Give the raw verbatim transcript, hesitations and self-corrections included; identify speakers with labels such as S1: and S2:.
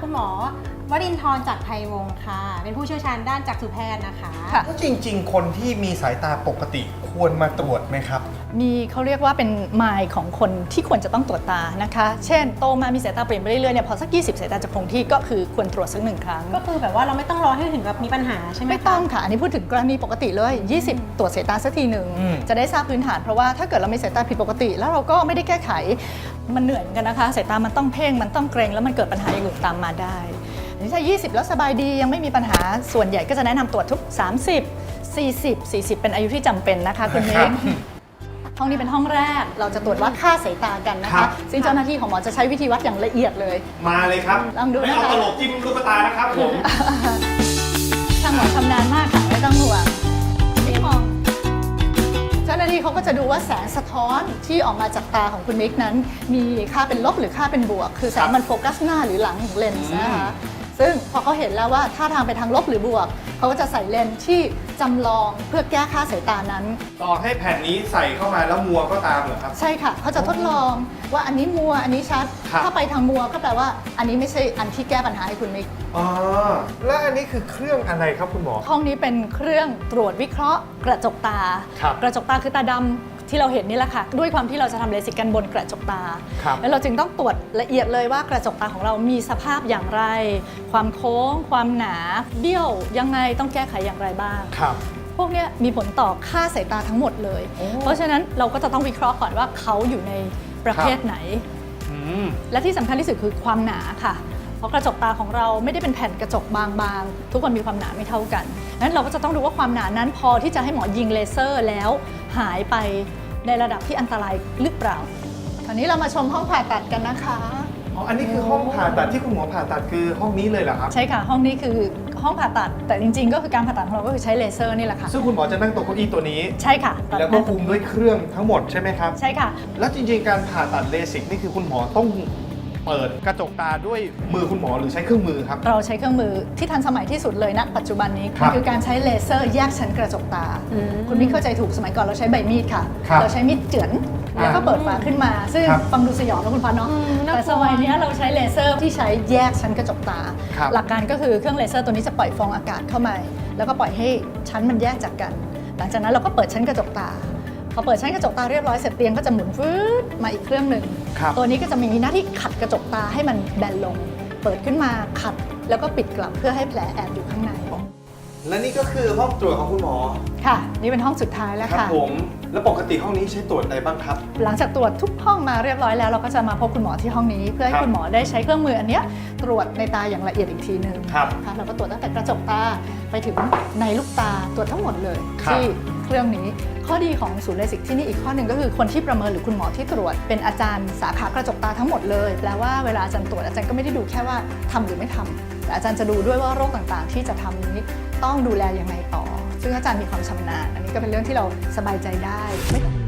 S1: คุณหมอวรินทร์จากไทยวงศ์ค่ะเป็นผู้เชี่ยวชาญด้านจักษุแพทย์นะคะ
S2: แล้วจริงๆคนที่มีสายตาปกติควรมาตรวจไหมครับ
S3: มีเขาเรียกว่าเป็นมายของคนที่ควรจะต้องตรวจตานะคะเช่นโตมามีสายตาเปลี่ยนไปเรื่อยๆเนี่ยพอสักยี่สิบสายตาจะคงที่ก็คือควรตรวจสักหนึ่งครั้ง
S1: ก็คือแบบว่าเราไม่ต้องรอให้ถึงกับมีปัญหาใช่ไหม
S3: ไม่ต้องค่ะอันนี้พูดถึงกรณีปกติเลยยี่สิบตรวจสายตาสักทีหนึ่งจะได้ทราบพื้นฐานเพราะว่าถ้าเกิดเรามีสายตาผิดปกติแล้วเราก็ไม่ได้แก้ไขมันเหนื่อยเหมือนกันนะคะสายตามันต้องเพ่งมันต้องเกรงแล้วมันเกิดปัญหาอย่างอื่นตามมาได้ถ้ายี่สิบแล้วสบายดียังไม่มีปัญหาส่วนใหญ่ก็จะแนะนำตรวจทุกสามสิบ สี่สิบ สี่สิบเป็นอายุที่จำเป็นนะคะคุณมิกห้องนี้เป็นห้องแรกเราจะตรวจวัดค่าสายตากันนะคะซึ่งเจ้าหน้าที่ของหมอจะใช้วิธีวัดอย่างละเอียดเลย
S2: มาเลยครับ
S3: ลองดูนะคะ
S2: ไม่เอาตลกจิ้มลูกตานะครับผม
S3: ช่างหมอชำนาญมากค่ะไม่ต้องห่วงไม่มองเจ้าหน้าที่เขาก็จะดูว่าแสงสะท้อนที่ออกมาจากตาของคุณมิกนั้นมีค่าเป็นลบหรือค่าเป็นบวกคือแสงมันโฟกัสหน้าหรือหลังของเลนส์นะคะซึ่งพอเขาเห็นแล้วว่าท่าทางไปทางลบหรือบวกเขาก็จะใส่เลนส์ที่จำลองเพื่อแก้ค่าสายตานั้น
S2: ต่อให้แผ่นนี้ใส่เข้ามาแล้วมัวก็ตามเหรอครับ
S3: ใช่ค่ะเขาจะทดลองว่าอันนี้มัวอันนี้ชัดถ้าไปทางมัวก็แปลว่าอันนี้ไม่ใช่อันที่แก้ปัญหาให้คุณมิก
S2: อ๋อแล้วอันนี้คือเครื่องอะไรครับคุณหมอ
S3: ห้องนี้เป็นเครื่องตรวจวิเคราะห์กระจกตา กระจกตาคือตาดำที่เราเห็นนี่แหละค่ะด้วยความที่เราจะทำเลสิกกันบนกระจกตาแล้วเราจึงต้องตรวจละเอียดเลยว่ากระจกตาของเรามีสภาพอย่างไรความโค้งความหนาเบี้ยวยังไงต้องแก้ไขอย่างไรบ้างพวกนี้มีผลต่อค่าสายตาทั้งหมดเลยเพราะฉะนั้นเราก็จะต้องวิเคราะห์ก่อนว่าเขาอยู่ในประเภทไหนและที่สำคัญที่สุดคือความหนาค่ะเพราะกระจกตาของเราไม่ได้เป็นแผ่นกระจกบางๆทุกคนมีความหนาไม่เท่ากันนั้นเราก็จะต้องดูว่าความหนานั้นพอที่จะให้หมอยิงเลเซอร์แล้วหายไปในระดับที่อันตรายหรือเปล่าคราวนี้เรามาชมห้องผ่าตัดกันนะคะ
S2: อ๋ออันนี้คือห้องผ่าตัดที่คุณหมอผ่าตัดคือห้องนี้เลยเหรอครับ
S3: ใช่ค่ะห้องนี้คือห้องผ่าตัดแต่จริงๆก็คือการผ่าตัดของเราก็คือใช้เลเซอร์นี่แหละค่ะ
S2: ซึ่งคุณหมอจะนั่งตรงเก้าอี้ตัวนี้
S3: ใช่ค่ะ
S2: แล้วก็คุมด้วยเครื่องทั้งหมดใช่ไหมครับ
S3: ใช่ค่ะ
S2: แล้วจริงๆการผ่าตัดเลสิกนี่คือคุณหมอต้องเปิดกระจกตาด้วยมือคุณหมอหรือใช้เครื่องมือครับ
S3: เราใช้เครื่องมือที่ทันสมัยที่สุดเลยณปัจจุบันนี้คือการใช้เลเซอร์แยกชั้นกระจกตาคุณมิกเข้าใจถูกสมัยก่อนเราใช้ใบมีดค่ะเราใช้มีดเจือนแล้วก็เปิดฝาขึ้นมาซึ่งฟังดูสยองนะคุณพันเนาะแต่สมัยนี้เราใช้เลเซอร์ที่ใช้แยกชั้นกระจกตาหลักการก็คือเครื่องเลเซอร์ตัวนี้จะปล่อยฟองอากาศเข้ามาแล้วก็ปล่อยให้ชั้นมันแยกจากกันหลังจากนั้นเราก็เปิดชั้นกระจกตาพอเปิดชั้นกระจกตาเรียบร้อยเสร็จเตียงก็จะหมุนฟืดมาอีกเครื่องหนึ่งตัวนี้ก็จะมีหน้าที่ขัดกระจกตาให้มันแบนลงเปิดขึ้นมาขัดแล้วก็ปิดกลับเพื่อให้แผลแอบอยู่ข้างใน
S2: และนี่ก็คือห้องตรวจของคุณหมอ
S3: ค่ะนี่เป็นห้องสุดท้ายแล้วค่ะ
S2: ผมแล้วปกติห้องนี้ใช้ตรวจอะไรบ้างครับ
S3: หลังจากตรวจทุกห้องมาเรียบร้อยแล้วเราก็จะมาพบคุณหมอที่ห้องนี้เพื่อให้คุณหมอได้ใช้เครื่องมืออันนี้ตรวจในตาอย่างละเอียดอีกทีหนึ่งค่ะเราก็ตรวจตั้งแต่กระจกตาไปถึงในลูกตาตรวจทั้งหมดเลยที่เครื่องนี้ข้อดีของศูนย์เลสิกที่นี่อีกข้อหนึ่งก็คือคนที่ประเมินหรือคุณหมอที่ตรวจเป็นอาจารย์สาขากระจกตาทั้งหมดเลยแปลว่าเวลาอาจารย์ตรวจอาจารย์ก็ไม่ได้ดูแค่ว่าทำหรือไม่ทำแต่อาจารย์จะดูด้วยว่าโรคต่างๆที่จะทำนี้ต้องดูแลยังไงต่อซึ่งอาจารย์มีความชำนาญอันนี้ก็เป็นเรื่องที่เราสบายใจได้